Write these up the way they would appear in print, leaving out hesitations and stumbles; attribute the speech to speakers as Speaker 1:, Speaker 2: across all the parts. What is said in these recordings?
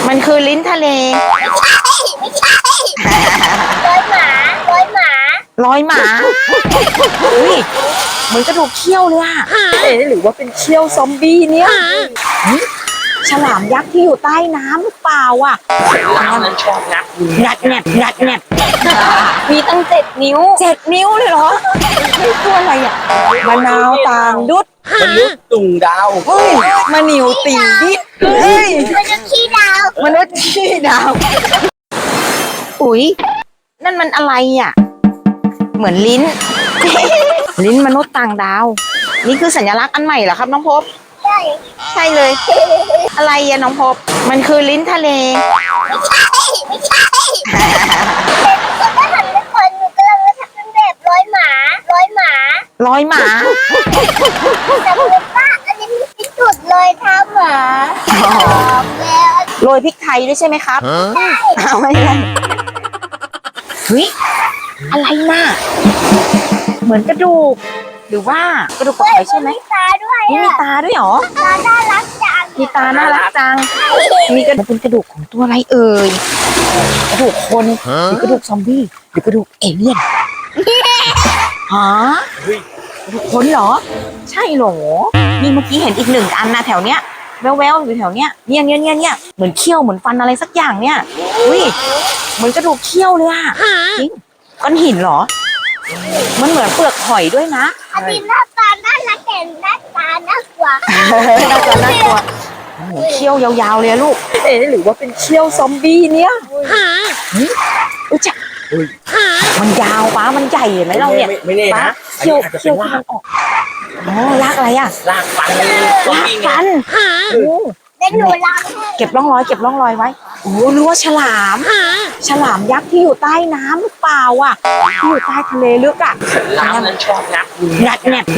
Speaker 1: มันคือลิ้นทะเล
Speaker 2: ไม่ใช่ร้อยหมาร้อยหมา
Speaker 1: ร้อยหมาอุ้ยเหมือนกระดูกเขี้ยวเลยอะหรือว่าเป็นเขี้ยวซอมบี้เนี่ยฉลามยักษ์ที่อยู่ใต้น้ำหรือเปล่าอ่ะ
Speaker 3: น้ำนั้นชอบงับ
Speaker 1: งัดแงบงัดแงบมีตั้ง7 นิ้ว7 นิ้วเลยเหรอตัวอะไรอ่ะมะนาวต่างดุด
Speaker 3: มนุษย์ตุ่งดาว
Speaker 1: เฮ้ยมะนิวติ่งดิดเฮ้ย
Speaker 2: มันจะขี้ดาว
Speaker 1: มนุษย์ขี้ดาวอุ๊ยนั่นมันอะไรอ่ะเหมือนลิ้น ลิ้นมนุษย์ต่างดาวนี่คือสัญลักษณ์อันใหม่เหรอครับน้องพบ
Speaker 2: ใช่
Speaker 1: ใช่เลยอะไรอะน้องพบมันคือลิ้นทะเล
Speaker 2: ไม่ใช่คนก็หันไปคนหนูกำลังจะทำเป็นแบบร้อยหมาร้อยหมา
Speaker 1: ร้อยหมา
Speaker 2: แต่คุณป้าอันนี้มีที่สุดเลยเท้าหมาบอกแล้ว
Speaker 1: โรยพริกไทยด้วยใช่ไหมครับเอาไม่ได้เฮ้ยอะไรน่ะเหมือนกระดูกหรือว่ากระดูกกระไข่ใช่ไหม
Speaker 2: มีตาด้วย
Speaker 1: นี่มีตาด้วยเหรอ
Speaker 2: ตาน่ารักจัง
Speaker 1: มีตาน่ารักจังมีกระดูกเป็นกระดูกของตัวอะไรเอ่ยกระดูกคนหรือกระดูกซอมบี้หรือกระดูกเอเลี่ยนฮะกระดูกคนเหรอใช่เหรอนี่เมื่อกี้เห็นอีก1 อันนะแถวเนี้ยแววๆอยู่แถวเนี้ยเนี่ยเหมือนเขี้ยวเหมือนฟันอะไรสักอย่างเนี่ยอุ้ยเหมือนกระดูกเขี้ยวเลยอะจริงก้อนหินเหรอมันเหมือนเปลือกหอยด้วยนะ
Speaker 2: อันนี้หน้าตาน่ารักแต่หน้าตาน่ากลัว
Speaker 1: น่ากลัวโอ้โหเขี้ยวยาวๆเลยลูกหรือว่าเป็นเขี้ยวซอมบี้เนี่ยอุ้ยจ้ะมันยาวป้ามันใหญ่เห็นไหมเราเนี่ย
Speaker 3: ไม่แน่
Speaker 1: ป้า
Speaker 3: นะ
Speaker 1: เขี้ยว
Speaker 3: อาจจะ
Speaker 1: เขี้
Speaker 3: เป็
Speaker 1: ยวน ที่
Speaker 3: ลา
Speaker 1: มันออกอ๋อลากอะไรอ่ะ
Speaker 3: ลากฟันซอม
Speaker 1: ลาก
Speaker 3: บี้ไง
Speaker 1: ฟันโอ้
Speaker 2: เดี๋ยวหนูล้างให้
Speaker 1: เก็บร่องรอยไว้โอ้รู้ว่าฉลามยักษ์ที่อยู่ใต้น้ำหรือเปล่าอ่ะที่อยู่ใต้ทะเลลึกอ่ะ
Speaker 3: น้ำนั้นชอบงับ
Speaker 1: งัดแงบ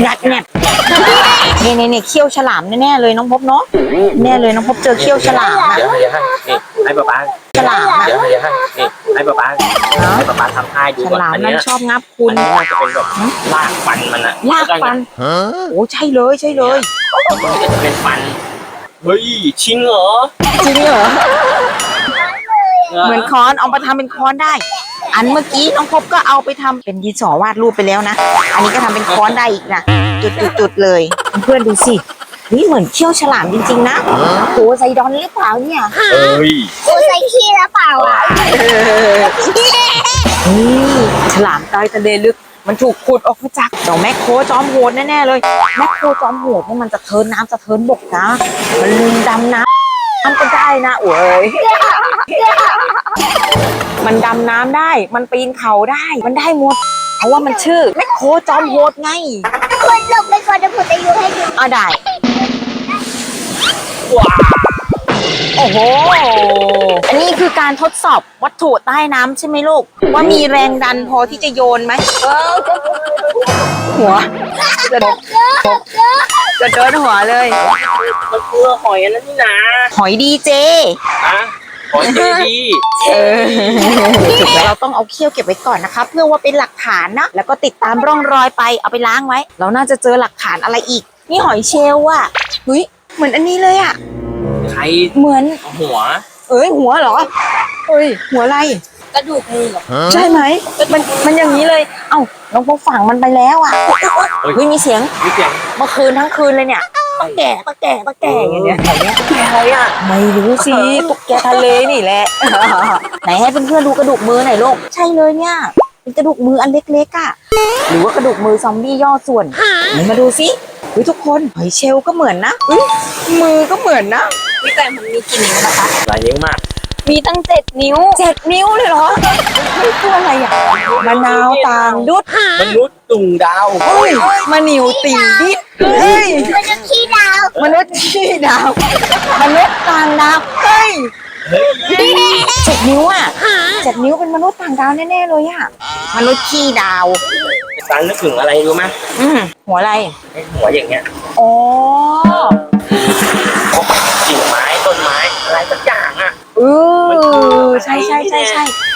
Speaker 1: เนี่ยเขี้ยวฉลามแน่ๆเลยน้องพบเนาะแน่เลยน้องพบเจอเขี้ยวฉลามอ่ะ
Speaker 3: เดี๋ยวให้นี่ให้ป๊าป๊า
Speaker 1: ฉลามอ่ะ
Speaker 3: เดี๋ยวให้นี่ให้ป๊าป๊าทำให้ดู
Speaker 1: ฉ
Speaker 3: ก่อน
Speaker 1: ลาม
Speaker 3: อัน
Speaker 1: นั้น
Speaker 3: นี้
Speaker 1: ชอบงับคุณ
Speaker 3: อันนี้น่าจะเป็นแบบลากฟันมันอะ
Speaker 1: ลากฟันโอ้ใช่เลย
Speaker 3: มันก็จะเป็นฟันเฮ้ยชิงเหรอ
Speaker 1: จริงเหรอเหมือนค้อนเอามาทำเป็นค้อนได้ อันเมื่อกี้น้องพบก็เอาไปทำเป็นดินสอวาดรูปไปแล้วนะอันนี้ก็ทำเป็นค้อนได้อีกนะจุดเลยเพื่อนดูสินี่เหมือนเขี้ยวฉลามจริงๆนะโหไซดอนหรือเปล่าเนี่ย
Speaker 3: เฮ้ย
Speaker 2: กูใส่ขี้แล้วเปล่าอ่ะ
Speaker 1: นี่ฉลามใต้ทะเลลึกมันถูกขุดออกมาจากเจ้าแมคโครจอมโหดแน่ๆเลยแมคโครจอมโหดนี่มันจะเทินน้ำจะเทินบกนะมันดำน้ำก็ได้นะโอ้ยมันดำน้ำได้มันปีนเขาได้มันได้หมดเพราะว่ามันชื่อแมคโครจอมโหดไง
Speaker 2: คุณลงไปก่อนจะพูดอายุให้ดู
Speaker 1: ได้
Speaker 3: ว้า
Speaker 1: โอ้โหอันนี้คือการทดสอบวัตถุใต้น้ำใช่ไหมลูกว่ามีแรงดันพอที่จะโยนไหมหัวจะโดนหัวเลย
Speaker 3: มันคือหอยอันนั้นนี่นะ
Speaker 1: หอยดีเจ
Speaker 3: อะหอยเจดี
Speaker 1: เราต้องเอาเขี้ยวเก็บไว้ก่อนนะคะเพื่อว่าเป็นหลักฐานนะแล้วก็ติดตามร่องรอยไปเอาไปล้างไว้ เราน่าจะเจอหลักฐานอะไรอีกนี่หอยเชลล์อ่ะเฮ้ยเหมือนอันนี้เลยอ่ะ
Speaker 3: ใคร
Speaker 1: เหมือน
Speaker 3: หัว
Speaker 1: หัวเหรอหัวอะไร
Speaker 2: กระดูกมือ
Speaker 1: ใช่ไหมมันอย่างนี้เลยเอ้าน้องพบฝังมันไปแล้วอ่ะเฮ้ยมีเสียง
Speaker 3: นี่เสียง
Speaker 1: เมื่อคืนทั้งคืนเลยเนี่ยตะแก่อย่างเงี้ยแถวเนี้ย
Speaker 3: แกอะไรอ่ะ
Speaker 1: ไม่รู้สิตุ๊กแกทะเลนี่แหละ ไหนให้เพื่อนๆดูกระดูกมือหน่อยลูกใช่เลยเนี่ยเป็นกระดูกมืออันเล็กๆอ่ะหรือว่ากระดูกมือซอมบี้ย่อส่วนไหนมาดูสิทุกคนหอยเชลล์ก็เหมือนนะมือก็เหมือนนะพี่แต่มันมีกี่นิ้วนะคะ
Speaker 3: หลายนิ้วมาก
Speaker 1: มีตั้ง7 นิ้ว7 นิ้วเลยเหรอตัวอะไรอ่ะมะนาวต่างดุด
Speaker 3: มนุษย์ตุ่งดาว
Speaker 1: มะนิวติ่งดิดเฮ้ย
Speaker 2: มันจะขี้ดาว
Speaker 1: มนุษย์ขี้ดาวมนุษย์ต่างดาวเฮ้ย7 นิ้วอ่ะ7 นิ้วเป็นมนุษย์ต่างดาวแน่ๆเลยอ่ะมนุษย์ขี้ดาว
Speaker 3: ตังนึกถึงอะไรรู้ไหม
Speaker 1: หัวอะไร
Speaker 3: ไอ้หัวอย่างเงี้ย
Speaker 1: อ๋อ
Speaker 3: กิ่งไม้ต้นไม้อะไรสักอย่างอ่ะ
Speaker 1: ใช่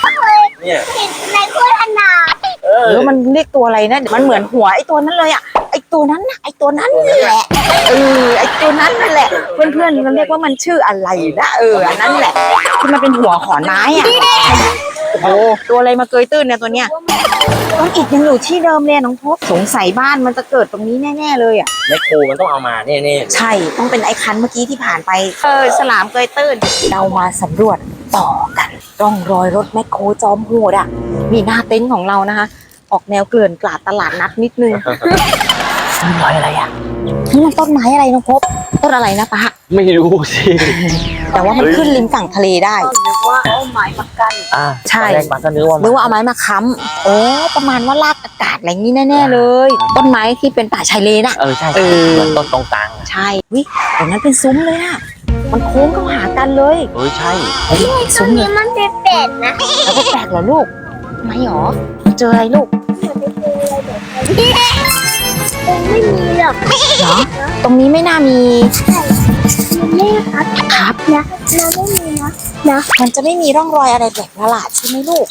Speaker 3: เนี่ย
Speaker 2: เห็นในโฆษณา
Speaker 1: มันเรียกตัวอะไรนะมันเหมือนหัวไอ้ตัวนั้นเลยอ่ะไอ้ตัวนั้นนะไอ้ตัวนั้นนั่นแหละไอ้ตัวนั้นนั่นแหละเพื่อนๆมันเรียกว่ามันชื่ออะไรนะอันนั้นแหละที่มันเป็นหัวขอนไม้อ่ะโอ้ตัวอะไรมาเกยตื้นเนี่ยตัวเนี้ยต้นอิฐยังอยู่ที่เดิมเลยน้องพบสงสัยบ้านมันจะเกิดตรงนี้แน่ๆเลยอ่ะ
Speaker 3: แม่โคมันต้องเอามาแน่ๆ
Speaker 1: ใช่ต้องเป็นไอ้คันเมื่อกี้ที่ผ่านไปฉลามเกยตื้นเรามาสำรวจต่อกันร่องรอยรถแมคโครจอมโหดอ่ะมีหน้าเต็นท์ของเรานะคะออกแนวเกลื่อนกลาดตลาดนัดนิดนึง
Speaker 3: นี่รอยอะไรอ่ะ
Speaker 1: นี่มันต้นไม้อะไรน้องพบต้นอะไรนะปะ
Speaker 3: ไม่รู้สิ
Speaker 1: แต่ว่ามันขึ้นริมฝั่งทะเลได้
Speaker 2: นึกว่าเอาไม้มากัน
Speaker 1: ใช่
Speaker 3: ตอนแรกป้าก็นึกว่า
Speaker 1: หรือว่าเอาไม้มาค้ำโอ้ประมาณว่าลากอากาศอะไรงี้แน่ๆเลย ต้นไม้ที่เป็นป่าชายเลนอะ
Speaker 3: ใช่
Speaker 1: เออ
Speaker 3: เหมือนต้นตรงกลางอะ
Speaker 1: ใช่วิตรงนั้นเป็นซุ้มเลยอะมันโค้งเข้าหากันเลย
Speaker 3: ใช่
Speaker 2: ตรงนี้มันเป็นเป็ดนะ
Speaker 1: แล้วก็แปลกเหรอลูกไม่หรอเจออะไรลูก
Speaker 2: คงไม่มีหรอก
Speaker 1: เหรอตรงนี้ไม่น่ามี
Speaker 2: แม่ครับ
Speaker 1: ครับ
Speaker 2: นะเราไม่มีนะ
Speaker 1: มันจะไม่มีร่องรอยอะไรแปลกประหลาดใช่ไหมลูก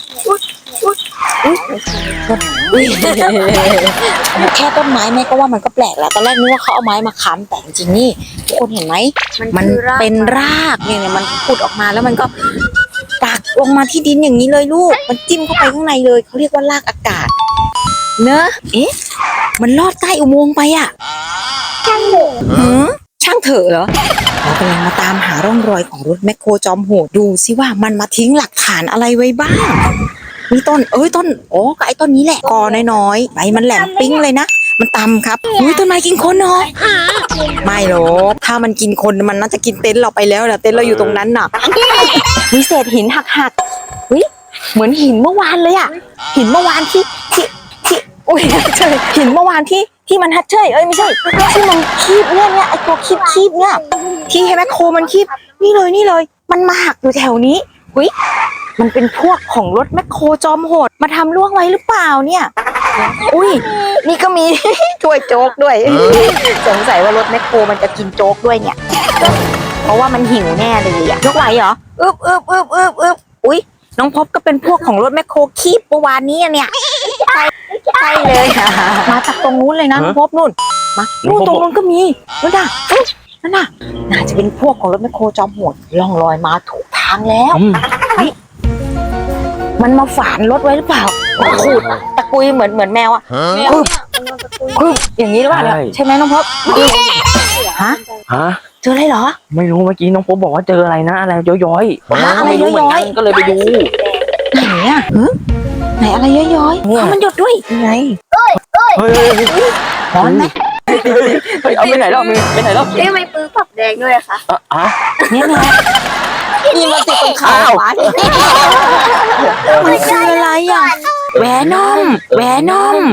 Speaker 1: อุ๊ยแค่ต้นไม้แม่ก็ว่ามันก็แปลกแล้วตอนแรกนึกว่าเขาเอาไม้มาค้ำแต่จริงๆนี่ทุกคนเห็นไหมมันเป็นรากเนี่ยมันผุดออกมาแล้วมันก็ปักลงมาที่ดินอย่างนี้เลยลูกมันจิ้มเข้าไปข้างในเลยเขาเรียกว่ารากอากาศเนอะเอ๊ะมันลอดใต้อุโมงค์ไปอ่ะ
Speaker 2: ช่างเถอะ
Speaker 1: ช่างเถอะเหรอเรากำลังมาตามหาร่องรอยของรถแมคโครจอมโหดดูซิว่ามันมาทิ้งหลักฐานอะไรไว้บ้างมีต้นต้นก็ไอ้ต้นนี้แหละกอน้อยๆใบมันแหลมปิ้งเลยนะมันตำครับต้นไม้กินคนเหรอไม่หรอกถ้ามันกินคนมันน่าจะกินเต็นท์เราไปแล้วนะเต็นท์เราอยู่ตรงนั้นน่ะมีเศษหินหักเหมือนหินเมื่อวานเลยอ่ะหินเมื่อวานที่อุ้ยใช่หินเมื่อวานที่มันฮัดเชยไม่ใช่ที่มันคีบเนี่ยไอตัวคีบเนี่ยที่ให้แมคโครมันคีบนี่เลยมันมาหักอยู่แถวนี้มันเป็นพวกของรถแมคโครจอมโหดมาทำล่วงไว้หรือเปล่าเนี่ยอุ้ยนี่ก็มี ถ้วยโจ๊กด้วยสงสัยว่ารถแมคโครมันจะกินโจ๊กด้วยเนี่ยเพราะว่ามันหิวแน่เลยอะยกไหวเหรออุ้ยน้องพบก็เป็นพวกของรถแมคโครคีบเมื่อวานนี้เนี่ยใช่เลยมาจากตรงนู้นเลยนะน้องพบนู่นมานู่นตรงนู้นก็มีนั่นน่ะน่าจะเป็นพวกของรถแมคโครจอมโหดล่องลอยมาถูกทางแล้วมันมาฝานรถไว้หรือเปล่าขูดตะกุยเหมือนแมวอ่ะคืออย่างนี้หรือเปล่าใช่ไหมน้องพบฮะเจออะไรเหรอ
Speaker 3: ไม่รู้เมื่อกี้น้องพบบอกว่าเจออะไรนะอะไรย้อยๆ
Speaker 1: อะไร
Speaker 3: ไม่รู้เหมือน
Speaker 1: ย้
Speaker 3: กั
Speaker 1: อย
Speaker 3: นก็เลยไปดู
Speaker 1: ไหนอ่ะไหนอะไรย้อยๆมันหยดด้วยไง
Speaker 3: เฮ้ย
Speaker 1: ร้อนไหม
Speaker 3: เอาไปไหนแล้วไปไหนแล้ว
Speaker 2: ทำไมปื้อปักแดงด้วยอะคะ
Speaker 1: เนี่ยนี่มันติดตรงขาขวามันคืออะไรอ่ะแหวนอม
Speaker 3: แวนอม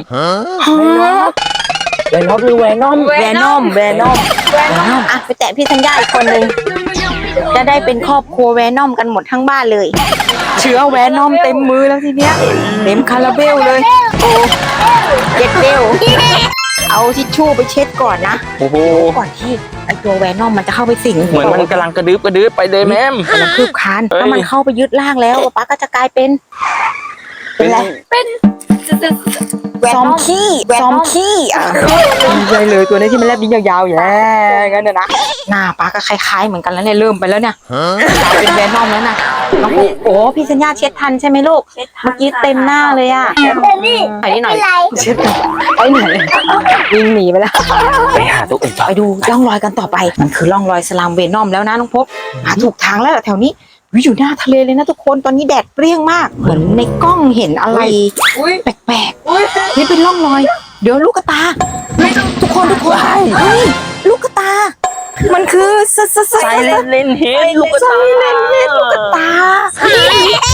Speaker 3: หรือแวนอม
Speaker 1: อ่ะไปแตะพี่ธัญญาอีกคนนึงจะได้เป็นครอบครัวแวนอมกันหมดทั้งบ้านเลยเชื้อแวนอมเต็มมือแล้วทีเนี้ยเต็มคาราเบลเลยโอ้เจ็ดเบลเอาทิชชู่ไปเช็ดก่อนนะ
Speaker 3: โอ้โห
Speaker 1: ก่อนที่ไอตัวแวนอมมันจะเข้าไปสิง
Speaker 3: เหมือนมันกำลังกระดึ๊บไปเลยแม่ม
Speaker 1: กำลังคืบคานถ้ามันเข้าไปยึดร่างแล้วป๊าก็จะกลายเป็นอะไรซอมขี้ใช่เลยตัวนี้ที่มันแลบลิ้นยาวๆอย่างนั้นนะหน้าป๊าก็คล้ายๆเหมือนกันแล้วเนี่ยเริ่มไปแล้วเนี่ยกลายเป็นแวนอมแล้วนะน้องโอ้พี่สัญญาเช็ดทันใช่ไหมลูกเมื่อกี้เต็มหน้าเลยอ่ะ
Speaker 2: แต่นี่
Speaker 1: ไปนี่หน่อย
Speaker 2: อะไร
Speaker 1: เช็ดไปไหนวิ่งหนีไปแล้ว
Speaker 3: ไปหาตัวอื่นต่อ
Speaker 1: ไปดูร่องรอยกันต่อไปมันคือร่องรอยสลามเวนอมแล้วนะน้องพบหาถูกทางแล้วแถวนี้อยู่หน้าทะเลเลยนะทุกคนตอนนี้แดดเปรี้ยงมากเหมือนในกล้องเห็นอะไรแปลกๆนี่เป็นร่องรอย เดี๋ยวลูกตาทุกคนเฮ้ยลูกตามันคือ
Speaker 3: ไซเลนเฮดลูกตา